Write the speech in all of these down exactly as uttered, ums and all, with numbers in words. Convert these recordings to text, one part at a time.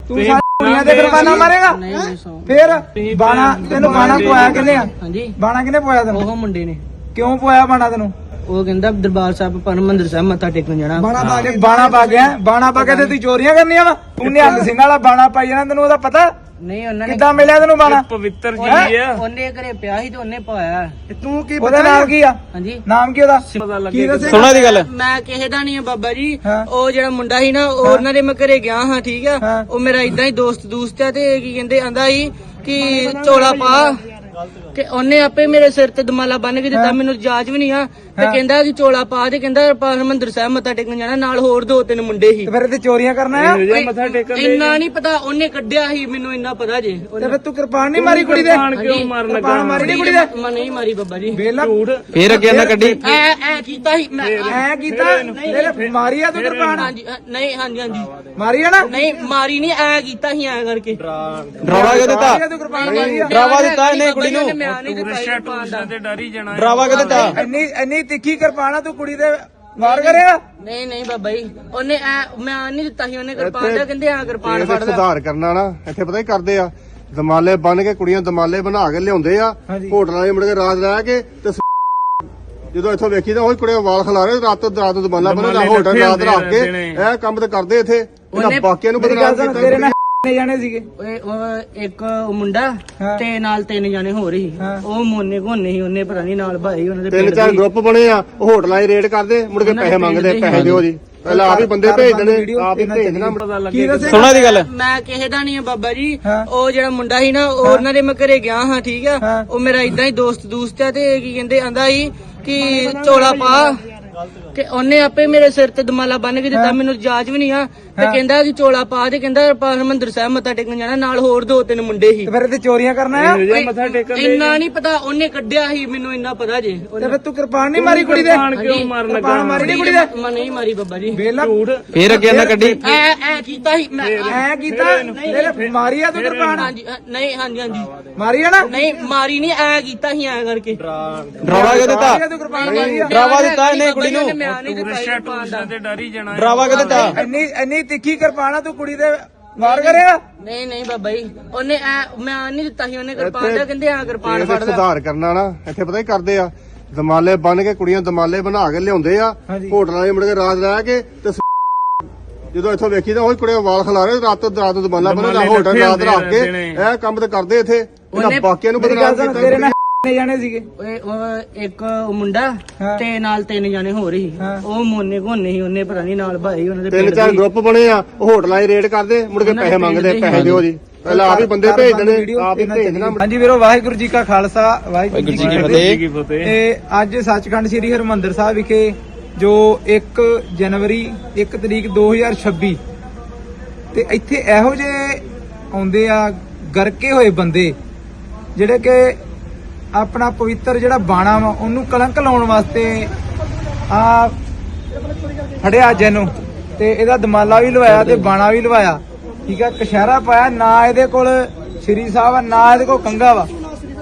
ਤੂੰ ਸਾਰੀ ਦੁਨੀਆ ਦੇ ਕੁਰਬਾਨਾ ਮਾਰੇਗਾ ਫੇਰ ਬਾਣਾ ਤੈਨੂੰ ਬਾਣਾ ਪਵਾਇਆ ਕਿੰਨੇ ਆ ਹਾਂਜੀ ਬਾਣਾ ਕਿੰਨੇ ਪਵਾਇਆ ਤੈਨੂੰ ਉਹ ਮੁੰਡੇ ਨੇ ਕਿਉਂ ਪਵਾਇਆ ਬਾਣਾ ਤੈਨੂੰ ਉਹ ਕਹਿੰਦਾ ਦਰਬਾਰ ਸਾਹਿਬ ਪਰਮੰਦਰ ਸਾਹਿਬ ਮੱਥਾ ਟੇਕਣ ਜਾਣਾ ਬਾਣਾ ਪਾ ਕੇ ਬਾਣਾ ਪਾ ਗਿਆ ਬਾਣਾ ਪਾ ਕੇ ਤੇ ਤੂੰ ਚੋਰੀਆਂ ਕਰਨੀਆਂ ਵਾ ਤੂੰ ਨਿਹੰਗ ਸਿੰਘ ਵਾਲਾ ਬਾਣਾ ਪਾਈ ਜਾਣਾ ਤੈਨੂੰ ਉਹਦਾ ਪਤਾ ਨਹੀਂ ਉਹਨਾਂ ਨੇ ਕਿੱਦਾਂ ਮਿਲਿਆ ਤੈਨੂੰ ਬਾਣਾ ਪਵਿੱਤਰ ਜੀ ਆ ਉਹਨੇ ਘਰੇ ਪਿਆ ਸੀ ਤੇ ਉਹਨੇ ਪਾਇਆ ਤੂੰ ਕੀ ਉਹਦਾ ਨਾਮ ਕੀ ਆ ਹਾਂਜੀ ਨਾਮ ਕੀ ਉਹਦਾ ਕੀ ਦੱਸੇ ਸੁਣਾ ਦੀ ਗੱਲ ਮੈਂ ਕਿਸੇ ਦਾ ਨਹੀਂ ਆ ਬਾਬਾ ਜੀ ਹਾਂ। ਉਹ ਜਿਹੜਾ ਮੁੰਡਾ ਸੀ ਨਾ ਉਹ ਉਹਨਾਂ ਦੇ ਮੈਂ ਘਰੇ ਗਿਆ ਹਾਂ ਠੀਕ ਆ ਹਾਂ। ਉਹ ਮੇਰਾ ਇਦਾਂ ਹੀ ਦੋਸਤ ਦੋਸਤ ਆ ਤੇ ਕੀ ਕਹਿੰਦੇ ਆਂਦਾ ਸੀ ਕਿ ਚੋਲਾ ਪਾ ਤੇ ਉਹਨੇ ਆਪੇ ਮੇਰੇ ਸਿਰ ਤੇ ਦਮਾਲਾ ਬੰਨ ਕੇ ਦਿੱਤਾ ਮੈਨੂੰ ਜਾਜ ਵੀ ਨਹੀਂ ਆ ਤੇ ਕਹਿੰਦਾ ਕਿ ਚੋਲਾ ਪਾ ਤੇ ਕਹਿੰਦਾ ਹਰਿਮੰਦਰ ਸਾਹਿਬ ਮੱਥਾ ਟੇਕਣ ਜਾਣਾ ਨਾਲ ਹੋਰ ਦੋ ਤਿੰਨ ਮੁੰਡੇ ਸੀ ਤੇ ਫਿਰ ਤੇ ਚੋਰੀਆਂ ਕਰਨਾ ਆ ਮੱਥਾ ਟੇਕਣ ਇੰਨਾ ਨਹੀਂ ਪਤਾ ਉਹਨੇ ਕੱਢਿਆ ਸੀ ਮੈਨੂੰ ਇੰਨਾ ਪਤਾ ਜੇ ਤੇ ਫਿਰ ਤੂੰ ਕਿਰਪਾਨ ਨਹੀਂ ਮਾਰੀ ਕੁੜੀ ਦੇ ਕਿਉਂ ਮਾਰਨ ਲੱਗਾ ਕਿਰਪਾਨ ਮਾਰੀ ਨੀ ਕੁੜੀ ਦੇ ਮੈਂ ਨਹੀਂ ਮਾਰੀ ਬਾਬਾ ਜੀ ਵੇਲਾ ਫੇਰ ਅੱਗੇ ਨਾ ਕੱਢੀ ਐ ਐ ਕੀਤਾ ਸੀ ਮੈਂ ਐ ਕੀਤਾ ਤੇਰੇ ਮਾਰੀ ਆ ਤੂੰ ਕਿਰਪਾਨ ਹਾਂਜੀ ਅ, ਨਹੀਂ ਹਾਂਜੀ ਹਾਂਜੀ ਮਾਰੀ ਆ ਨਾ ਨਹੀਂ ਮਾਰੀ ਨਹੀਂ ਐ ਕੀਤਾ ਸੀ ਐ ਕਰਕੇ ਡਰਾਵਾ ਕਿਉਂ ਦਿੱਤਾ ਮਾਰੀ ਆ ਤੂੰ ਕਿਰਪਾਨ ਮਾਰੀ ਆ ਡਰਾਵਾ ਦਿੱਤਾ ਇਹਨੇ ਕੁੜੀ ਨੂੰ ਮੈਂ ਨਹੀਂ ਦਿੱਤਾ ਸੀ ਕਿਰਪਾਨ ਦਾ। ਤੇ ਡਰ ਹੀ ਜਾਣਾ ਡਰਾਵਾ ਕਿਉਂ ਦਿੱਤਾ ਇੰਨੀ ਇੰਨੀ ਤਿੱਖੀ ਕਿਰਪਾਨ ਆ ਤੂੰ ਕੁੜੀ ਦੇ ਵਾਰ ਕਰੇਗਾ ਨਹੀਂ ਨਹੀਂ ਬਾਬਾ ਜੀ ਉਹਨੇ ਐ ਮੈਂ ਨਹੀਂ ਦਿੱਤਾ ਸੀ ਉਹਨੇ ਕਿਰਪਾਨ ਦਾ ਕਹਿੰਦੇ ਆ ਕਿਰਪਾਨ ਇਹਦੇ ਫੜਦਾ ਸੁਧਾਰ ਕਰਨਾ ਨਾ ਇੱਥੇ ਪਤਾ ਹੀ ਕਰਦੇ ਆ ਦਮਾਲੇ ਬੰਨ ਕੇ ਕੁੜੀਆਂ ਦਮਾਲੇ ਬਣਾ ਕੇ ਲਿਆਉਂਦੇ ਆ ਹਾਂਜੀ। ਹੋਟਲਾਂ 'ਚ ਮੁੜ ਕੇ ਰਾਤ ਰਹਿ ਕੇ ਤੇ ਸ- ਜਦੋਂ ਇੱਥੋਂ ਵੇਖੀ ਤਾਂ ਉਹੀ ਕੁੜੀਆਂ ਵਾਲ ਖਿਲਾਰੇ ਰਾਤ ਤੋਂ ਰਾਤ ਨੂੰ ਦਮਾਲਾ ਬੰਨਦਾ ਹੋਟਲ ਰਾਤ ਰੱਖ ਕੇ ਇਹ ਕੰਮ ਤੇ ਕਰਦੇ ਇੱਥੇ ਇਹਨਾਂ ਬਾਕੀਆਂ ਨੂੰ ਮੇਰੀ ਗੱਲ ਬਦਨਾਮ ਸੁਣ ਤੇਰੇ ਕੀਤਾ ਨਾਲ ਜਾਣੇ ਸੀਗੇ ਓਏ ਉਹ ਇੱਕ ਉਹ ਮੁੰਡਾ ਹਾਂ। ਤੇ ਨਾਲ ਤਿੰਨ ਜਾਣੇ ਹੋ ਰਹੀ ਹਾਂ। ਉਹ ਮੋਨੇ ਘੋਨੇ ਸੀ ਉਹਨੇ ਪਤਾ ਨਹੀਂ ਨਾਲ ਭਾਈ ਉਹਨਾਂ ਦੇ ਤਿੰਨ ਪਿੰਡ ਚਾਰ ਦੇ ਗਰੁੱਪ ਬਣੇ ਆ ਉਹ ਹੋਟਲਾਂ 'ਚ ਰੇਡ ਕਰਦੇ ਮੁੜ ਕੇ ਪੈਸੇ ਮੰਗਦੇ ਪੈਸੇ ਦਿਓ ਜੀ ਪਹਿਲਾਂ ਆਪ ਹੀ ਬੰਦੇ ਭੇਜ ਦੇਣੇ ਆਪ ਹੀ ਭੇਜ ਦੇਣਾ ਕੀ ਦੱਸੇ ਸੁਣਾ ਦੀ ਗੱਲ ਮੈਂ ਕਿਸੇ ਦਾ ਨਹੀਂ ਆ ਬਾਬਾ ਜੀ ਹਾਂ। ਉਹ ਜਿਹੜਾ ਮੁੰਡਾ ਸੀ ਨਾ ਉਹ ਉਹਨਾਂ ਦੇ ਮੈਂ ਘਰੇ ਗਿਆ ਹਾਂ ਠੀਕ ਆ ਹਾਂ। ਉਹ ਮੇਰਾ ਇਦਾਂ ਹੀ ਦੋਸਤ ਦੋਸਤ ਆ ਤੇ ਕੀ ਕਹਿੰਦੇ ਆਂਦਾ ਸੀ ਕਿ ਚੋਲਾ ਪਾ ਤੇ ਉਹਨੇ ਆਪੇ ਮੇਰੇ ਸਿਰ ਤੇ ਦਮਾਲਾ ਬੰਨ ਕੇ ਦਿੱਤਾ ਮੈਨੂੰ ਜਾਜ ਵੀ ਨਹੀਂ ਆ ਤੇ ਕਹਿੰਦਾ ਕਿ ਚੋਲਾ ਪਾ ਤੇ ਕਹਿੰਦਾ ਹਰਿਮੰਦਰ ਸਾਹਿਬ ਮੱਥਾ ਟੇਕਣ ਜਾਣਾ ਨਾਲ ਹੋਰ ਦੋ ਤਿੰਨ ਮੁੰਡੇ ਸੀ ਤੇ ਫਿਰ ਤੇ ਚੋਰੀਆਂ ਕਰਨਾ ਆ ਮੱਥਾ ਟੇਕਣ ਇੰਨਾ ਨਹੀਂ ਪਤਾ ਉਹਨੇ ਕੱਢਿਆ ਸੀ ਮੈਨੂੰ ਇੰਨਾ ਪਤਾ ਜੇ ਤੇ ਫਿਰ ਤੂੰ ਕਿਰਪਾਨ ਨਹੀਂ ਮਾਰੀ ਕੁੜੀ ਦੇ ਕਿਉਂ ਮਾਰਨ ਲੱਗਾ ਕਿਰਪਾਨ ਮਾਰੀ ਨੀ ਕੁੜੀ ਦੇ ਮੈਂ ਨਹੀਂ ਮਾਰੀ ਬਾਬਾ ਜੀ ਵੇਲਾ ਫੇਰ ਅੱਗੇ ਨਾ ਕੱਢੀ ਐ ਐ ਕੀਤਾ ਸੀ ਮੈਂ ਐ ਕੀਤਾ ਤੇਰੇ ਮਾਰੀ ਆ ਤੂੰ ਕਿਰਪਾਨ ਹਾਂਜੀ ਅ, ਨਹੀਂ ਹਾਂਜੀ ਹਾਂਜੀ ਮਾਰੀ ਆ ਨਾ ਨਹੀਂ ਮਾਰੀ ਨਹੀਂ ਐ ਕੀਤਾ ਸੀ ਐ ਕਰਕੇ ਡਰਾਵਾ ਕਿਉਂ ਦਿੱਤਾ ਮਾਰੀ ਆ ਤੂੰ ਕਿਰਪਾਨ ਮਾਰੀ ਆ ਡਰਾਵਾ ਦਿੱਤਾ ਇਹਨੇ ਕੁੜੀ ਨੂੰ ਮੈਂ ਨਹੀਂ ਦਿੱਤਾ ਸੀ ਕਿਰਪਾਨ ਦਾ। ਤੇ ਡਰ ਹੀ ਜਾਣਾ ਡਰਾਵਾ ਕਿਉਂ ਦਿੱਤਾ ਇੰਨੀ ਇੰਨੀ ਤਿੱਖੀ ਕਿਰਪਾਨ ਆ ਤੂੰ ਕੁੜੀ ਦੇ ਵਾਰ ਕਰੇਗਾ ਨਹੀਂ ਨਹੀਂ ਬਾਬਾ ਜੀ ਉਹਨੇ ਐ ਮੈਂ ਨਹੀਂ ਦਿੱਤਾ ਸੀ ਉਹਨੇ ਕਿਰਪਾਨ ਦਾ ਕਹਿੰਦੇ ਆ ਕਿਰਪਾਨ ਇਹਦੇ ਫੜਦਾ ਸੁਧਾਰ ਕਰਨਾ ਨਾ ਇੱਥੇ ਪਤਾ ਹੀ ਕਰਦੇ ਆ ਦਮਾਲੇ ਬੰਨ ਕੇ ਕੁੜੀਆਂ ਦਮਾਲੇ ਬਣਾ ਕੇ ਲਿਆਉਂਦੇ ਆ ਹਾਂਜੀ। ਹੋਟਲਾਂ 'ਚ ਮੁੜ ਕੇ ਰਾਤ ਰਹਿ ਕੇ ਤੇ ਸ- ਜਦੋਂ ਇੱਥੋਂ ਵੇਖੀ ਤਾਂ ਉਹੀ ਕੁੜੀਆਂ ਵਾਲ ਖਿਲਾਰੇ ਰਾਤ ਤੋਂ ਰਾਤ ਨੂੰ ਦਮਾਲਾ ਬੰਨਦਾ ਹੋਟਲ ਰਾਤ ਰੱਖ ਕੇ ਇਹ ਕੰਮ ਤੇ ਕਰਦੇ ਇੱਥੇ ਇਹਨਾਂ ਬਾਕੀਆਂ ਨੂੰ ਮੇਰੀ ਗੱਲ ਬਦਨਾਮ ਸੁਣ ਤੇਰੇ ਕੀਤਾ ਨਾਲ ਜਾਣੇ ਸੀਗੇ ਓਏ ਉਹ ਇੱਕ ਉਹ ਮੁੰਡਾ ਹਾਂ। ਤੇ ਨਾਲ ਤਿੰਨ ਜਾਣੇ ਹੋ ਰਹੀ ਹਾਂ। ਉਹ ਮੋਨੇ ਘੋਨੇ ਸੀ ਉਹਨੇ ਪਤਾ ਨਹੀਂ ਨਾਲ ਭਾਈ ਉਹਨਾਂ ਦੇ ਤਿੰਨ ਪਿੰਡ ਚਾਰ ਦੇ ਗਰੁੱਪ ਬਣੇ ਆ ਉਹ ਹੋਟਲਾਂ 'ਚ ਰੇਡ ਕਰਦੇ ਮੁੜ ਕੇ ਪੈਸੇ ਮੰਗਦੇ ਪੈਸੇ ਦਿਓ ਜੀ ਪਹਿਲਾਂ ਆਪ ਹੀ ਬੰਦੇ ਭੇਜ ਦੇਣੇ ਆਪ ਹੀ ਭੇਜ ਦੇਣਾ ਹਾਂਜੀ ਵੀਰੋ ਵਾਹਿਗੁਰੂ ਜੀ ਕਾ ਖਾਲਸਾ ਵਾਹਿਗੁਰੂ ਜੀ ਕੀ ਫਤਿਹ ਕੀ ਫਤਿਹ ਤੇ ਅੱਜ ਸੱਚਖੰਡ ਸ੍ਰੀ ਹਰਿਮੰਦਰ ਸਾਹਿਬ ਵਿਖੇ ਜੋ ਇੱਕ ਜਨਵਰੀ ਇੱਕ ਤਰੀਕ ਦੋ ਹਜ਼ਾਰ ਛੱਬੀ ਤੇ ਇੱਥੇ ਇਹੋ ਜਿਹੇ ਆਉਂਦੇ ਆ ਗਰਕੇ ਹੋਏ ਬੰਦੇ ਜਿਹੜੇ ਕਿ ਆਪਣਾ ਪਵਿੱਤਰ ਜਿਹੜਾ ਬਾਣਾ ਵਾ ਉਹਨੂੰ ਕਲੰਕ ਲਾਉਣ ਵਾਸਤੇ ਆ ਫੜਿਆ ਜੈਨੂੰ ਤੇ ਇਹਦਾ ਦਮਾਲਾ ਵੀ ਲਵਾਇਆ ਤੇ ਬਾਣਾ ਵੀ ਲਵਾਇਆ ਠੀਕ ਆ ਕਸ਼ਹਿਰਾ ਪਾਇਆ ਨਾ ਇਹਦੇ ਕੋਲ ਸ਼੍ਰੀ ਸਾਹਿਬ ਆ ਨਾ ਇਹਦੇ ਕੋਲ ਕੰਗਾ ਵਾ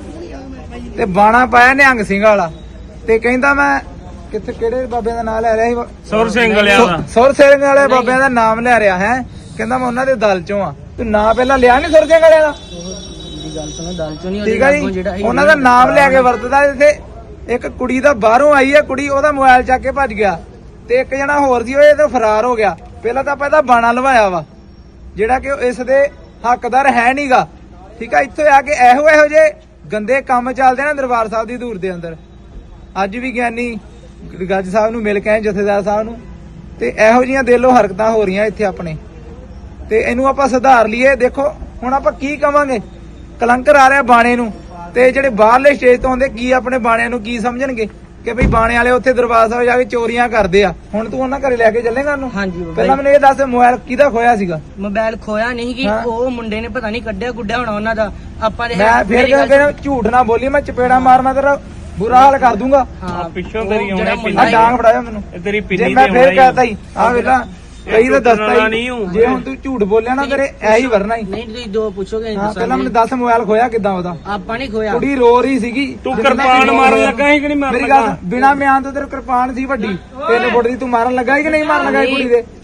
ਤੇ ਬਾਣਾ ਪਾਇਆ ਨਿਹੰਗ ਸਿੰਘ ਵਾਲਾ ਤੇ ਕਹਿੰਦਾ ਮੈਂ ਕਿੱਥੇ ਕਿਹੜੇ ਬਾਬਿਆਂ ਦਾ ਨਾਮ ਲੈ ਰਿਹਾ ਸੀ ਸੁਰ ਸਿੰਘ ਵਾਲਿਆਂ ਦਾ ਸੁਰ ਸਿੰਘ ਵਾਲੇ ਬਾਬਿਆਂ ਦਾ ਨਾਮ ਲੈ ਰਿਹਾ ਹੈ ਕਹਿੰਦਾ ਮੈਂ ਉਹਨਾਂ ਦੇ ਦਲ ਚੋਂ ਆ ਤੂੰ ਨਾਂ ਪਹਿਲਾਂ ਲਿਆ ਨਹੀਂ ਸੁਰ ਸਿੰਘ ਵਾਲਿਆਂ ਦਾ ਦੀ ਗੱਲ ਸੁਣੋ ਦਲ ਚੋਂ ਨਹੀਂ ਠੀਕ ਆ ਜੀ ਜਿਹੜਾ ਸੀ ਉਹਨਾਂ ਦਾ ਨਾਮ ਲੈ ਕੇ ਵਰਤਦਾ ਇੱਥੇ ਇੱਕ ਕੁੜੀ ਦਾ ਬਾਹਰੋਂ ਆਈ ਹੈ ਕੁੜੀ ਉਹਦਾ ਮੋਬਾਈਲ ਚੱਕ ਕੇ ਭੱਜ ਗਿਆ ਤੇ ਇੱਕ ਜਣਾ ਹੋਰ ਸੀ ਉਹ ਇਹ ਤੋਂ ਫਰਾਰ ਹੋ ਗਿਆ ਪਹਿਲਾਂ ਤਾਂ ਆਪਾਂ ਇਹਦਾ ਬਾਣਾ ਲਵਾਇਆ ਵਾ ਜਿਹੜਾ ਕਿ ਇਸ ਦੇ ਹੱਕਦਾਰ ਹੈ ਨਹੀਂਗਾ ਠੀਕ ਆ ਇੱਥੇ ਆ ਕੇ ਇਹੋ ਇਹੋ ਜੇ ਗੰਦੇ ਕੰਮ ਚੱਲਦੇ ਨਾ ਦਰਬਾਰ ਸਾਹਿਬ ਦੀ ਧੂੜ ਦੇ ਅੰਦਰ ਅੱਜ ਵੀ ਗਿਆਨੀ ਗੱਜ ਸਾਹਿਬ ਨੂੰ ਮਿਲ ਕੇ ਆਏ ਜਥੇਦਾਰ ਸਾਹਿਬ ਨੂੰ ਤੇ ਇਹੋ ਜੀਆਂ ਦਿਲੋਂ ਹਰਕਤਾਂ ਹੋ ਰਹੀਆਂ ਇੱਥੇ ਆਪਣੇ ਤੇ ਇਹਨੂੰ ਆਪਾਂ ਸੁਧਾਰ ਲਈਏ ਦੇਖੋ ਹੁਣ ਆਪਾਂ ਕੀ ਕਵਾਂਗੇ ਕਲੰਕਰ ਆ ਰਿਹਾ ਬਾਣੇ ਨੂੰ ਤੇ ਜਿਹੜੇ ਬਾਹਰਲੇ ਸਟੇਜ ਤੋਂ ਆਉਂਦੇ ਕੀ ਆਪਣੇ ਬਾਣਿਆਂ ਨੂੰ ਕੀ ਸਮਝਣਗੇ ਕਿ ਭਈ ਬਾਣੇ ਵਾਲੇ ਉੱਥੇ ਦਰਬਾਰ ਸਾਹਿਬ ਜਾ ਕੇ ਚੋਰੀਆਂ ਕਰਦੇ ਆ ਹੁਣ ਤੂੰ ਉਹਨਾਂ ਘਰੇ ਲੈ ਕੇ ਚੱਲੇਗਾ ਉਹਨੂੰ ਹਾਂਜੀ ਬਾਬਾ ਪਹਿਲਾਂ ਮੈਨੂੰ ਇਹ ਦੱਸ ਮੋਬਾਈਲ ਕਿਹਦਾ ਖੋਇਆ ਸੀਗਾ ਮੋਬਾਈਲ ਖੋਇਆ ਨਹੀਂ ਕਿ ਹਾਂ। ਉਹ ਮੁੰਡੇ ਨੇ ਪਤਾ ਨਹੀਂ ਕੱਢਿਆ ਗੁੱਡਿਆ ਹੋਣਾ ਉਹਨਾਂ ਦਾ ਆਪਾਂ ਦੇ ਮੈਂ ਫਿਰ ਮੇਰੀ ਗੱਲ ਕਹਿੰਦਾ ਝੂਠ ਨਾ ਬੋਲੀ ਮੈਂ ਚਪੇੜਾ ਮਾਰਨਾ ਤੇਰਾ ਬੁਰਾ ਹਾਲ ਕਰ ਦੂੰਗਾ ਹਾਂ ਪਿੱਛੋਂ ਉਹ ਤੇਰੀ ਜਿਹੜਾ ਆਉਣੀ ਮੁੰਡਾ ਆ ਡਾਂਗ ਫੜਾਇਆ ਮੈਨੂੰ ਇਹ ਤੇਰੀ ਜੇ ਪਿੰਨੀ ਮੈਂ ਤੇ ਫੇਰ ਆਉਣਾ ਕਹਤਾ ਹੀ ਆ ਵੇਲਾ ਕਈ ਤਾਂ ਦੱਸਦਾ ਟੁੱਟਣਾ ਹੀ ਨਹੀਂ ਹੂੰ। ਜੇ ਹੁਣ ਤੂੰ ਝੂਠ ਬੋਲਿਆ ਨਾ ਤੇਰੇ ਐ ਹੀ ਵਰਨਾ ਹੀ ਨਹੀਂ ਤੁਸੀਂ ਦੋ ਪੁੱਛੋਗੇ ਹਾਂ ਪਹਿਲਾਂ ਮੈਨੂੰ ਦੱਸ ਮੋਬਾਈਲ ਖੋਇਆ ਕਿੱਦਾਂ ਉਹਦਾ ਆਪਾਂ ਨਹੀਂ ਖੋਇਆ ਕੁੜੀ ਰੋ ਰਹੀ ਸੀਗੀ ਤੂੰ ਜਿੰਨਾ ਕਿਰਪਾਨ ਮੈਨੂੰ ਮਾਰਨ ਲੱਗਾ ਸੀ ਕਿ ਨਹੀਂ ਮਾਰਨ ਮੇਰੀ ਗੱਲ ਲੱਗਾ ਬਿਨਾ ਮਿਆਨ ਤੋਂ ਤੇਰੇ ਕਿਰਪਾਨ ਸੀ ਵੱਡੀ ਤਿੰਨ ਫੁੱਟ ਦੀ ਤੂੰ ਮਾਰਨ ਲੱਗਾ ਸੀ ਕਿ ਨਹੀਂ ਮਾਰਨ ਲੱਗਾ ਸੀ ਕੁੜੀ ਦੇ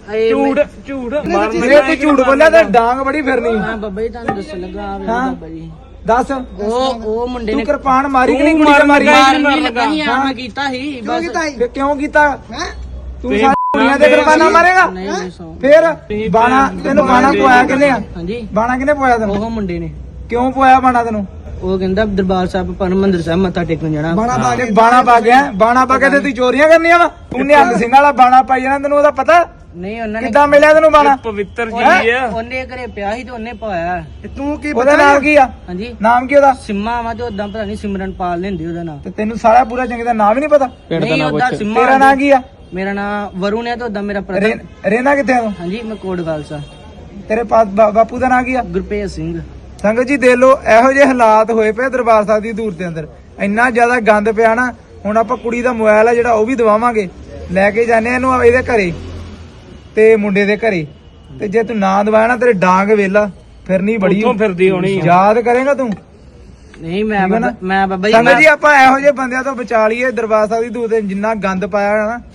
ਇਹ ਝੂਠ ਝੂਠ ਮਾਰਨ ਜੇ ਤੂੰ ਝੂਠ ਬੋਲਿਆ ਤਾਂ ਡਾਂਗ ਬੜੀ ਫਿਰਨੀ ਹਾਂ ਬਾਬਾ ਜੀ ਤੁਹਾਨੂੰ ਦੱਸਣ ਲੱਗਾ ਆ ਵੇਖੋ ਹਾਂ। ਬਾਬਾ ਜੀ ਦੱਸ ਉਹ ਉਹ ਮੁੰਡੇ ਤੂੰ ਨੇ ਕਿਰਪਾਨ ਮਾਰੀ ਕਿ ਨਹੀਂ ਤੂੰ ਕੁੜੀ ਤੇ ਮਾਰੀ ਮਾਰ- ਮਾਰਨ ਨਹੀਂ ਲੱਗਾ ਸੀ ਆ ਮੈਂ ਕੀਤਾ ਸੀ ਬਸ ਫਿਰ ਕਿਉਂ ਕੀਤਾ ਤੂੰ ਸਾਰੀ ਕੁੜੀਆਂ ਤੇ ਕਿਰਪਾਨਾ ਮਾਰੇਗਾ ਨਹੀਂ ਨਹੀਂ ਸੌ ਫਿਰ ਬਾਣਾ ਤੈਨੂੰ ਬਾਣਾ ਪਵਾਇਆ ਕਿੰਨੇ ਆ ਹਾਂਜੀ ਬਾਣਾ ਕਿੰਨੇ ਪਵਾਇਆ ਤੈਨੂੰ ਉਹ ਮੁੰਡੇ ਨੇ ਕਿਉਂ ਪਵਾਇਆ ਬਾਣਾ ਤੈਨੂੰ ਉਹ ਕਹਿੰਦਾ ਦਰਬਾਰ ਸਾਹਿਬ ਪਰਮੰਦਰ ਸਾਹਿਬ ਮੱਥਾ ਟੇਕਣ ਜਾਣਾ ਬਾਣਾ ਪਾ ਕੇ ਬਾਣਾ ਪਾ ਗਿਆ ਬਾਣਾ ਪਾ ਕੇ ਤੇ ਤੂੰ ਚੋਰੀਆਂ ਕਰਨੀਆਂ ਵਾ ਤੂੰ ਨਿਹੰਗ ਸਿੰਘ ਵਾਲਾ ਬਾਣਾ ਪਾਈ ਜਾਣਾ ਤੈਨੂੰ ਉਹਦਾ ਪਤਾ ਨਹੀਂ ਉਹਨਾਂ ਨੇ ਕਿੱਦਾਂ ਮਿਲਿਆ ਤੈਨੂੰ ਬਾਣਾ ਪਵਿੱਤਰ ਜੀ ਆ ਉਹਨੇ ਘਰੇ ਪਿਆ ਸੀ ਤੇ ਉਹਨੇ ਪਾਇਆ ਤੂੰ ਕੀ ਉਹਦਾ ਨਾਮ ਕੀ ਆ ਹਾਂਜੀ ਨਾਮ ਕੀ ਉਹਦਾ ਸਿੰਮਾ ਵਾ ਤੇ ਉਦਾਂ ਪਤਾ ਨਹੀਂ ਸਿਮਰਨਪਾਲ ਲੈਂਦੀ ਉਹਦਾ ਨਾਮ ਤੇ ਤੈਨੂੰ ਸਾਰਾ ਪੂਰਾ ਚੰਗੀ ਦਾ ਨਾਮ ਹੀ ਨਹੀਂ ਪਤਾ ਪਿੰਡ ਦਾ ਨਹੀਂ ਨਾਮ ਉਹਦਾ ਪੁੱਛ ਸਿੰਮਾ ਤੇਰਾ ਨਾਮ ਕੀ ਆ ਮੇਰਾ ਨਾਮ ਵਰੁਣ ਹੈ ਤੇ ਉਦਾਂ ਮੇਰਾ ਰੇ- ਪ੍ਰਧਾਨ ਰਹਿਣਾ ਕਿੱਥੇ ਆ ਤੂੰ ਹਾਂਜੀ ਮੈਂ ਕੋਟ ਖਾਲਸਾ ਤੇਰੇ ਪਾ- ਬਾ- ਬਾਪੂ ਦਾ ਨਾਮ ਕੀ ਆ ਗੁਰਪ੍ਰੀਤ ਸਿੰਘ ਸੰਗਤ ਜੀ ਦੇਖ ਲਓ ਇਹੋ ਜਿਹੇ ਹਾਲਾਤ ਹੋਏ ਪਏ ਦਰਬਾਰ ਸਾਹਿਬ ਦੀ ਦੂਰ ਦੇ ਅੰਦਰ ਇੰਨਾ ਜ਼ਿਆਦਾ ਗੰਦ ਪਿਆ ਨਾ ਹੁਣ ਆਪਾਂ ਕੁੜੀ ਦਾ ਮੋਬਾਈਲ ਆ ਜਿਹੜਾ ਉਹ ਵੀ ਦਵਾਵਾਂਗੇ ਲੈ ਕੇ ਜਾਂਦੇ ਆ ਇਹਨੂੰ ਇਹਦੇ ਘਰੇ ਤੇ ਮੁੰਡੇ ਦੇ ਘਰੇ ਤੇ ਜੇ ਤੂੰ ਨਾ ਦਵਾਇਆ ਨਾ ਤੇਰੇ ਡਾਂਗ ਵੇਲਾ ਫਿਰਨੀ ਬੜੀ ਉੱਥੋਂ ਫਿਰਦੀ ਹੋਣੀ ਆ। ਯਾਦ ਕਰੇਗਾ ਤੂੰ ਨਹੀਂ ਮੈਂ ਬਾਬਾ- ਮੈਂ ਬਾਬਾ ਜੀ ਸੰਗਤ ਮੈਂ ਜੀ ਆਪਾਂ ਇਹੋ ਜਿਹੇ ਬੰਦਿਆਂ ਤੋਂ ਬਚਾ ਲਈਏ ਦਰਬਾਰ ਸਾਹਿਬ ਦੀ ਦੂਰ ਤੇ ਜਿੰਨਾ ਗੰਦ ਪਾਇਆ ਹੋਇਆ ਨਾ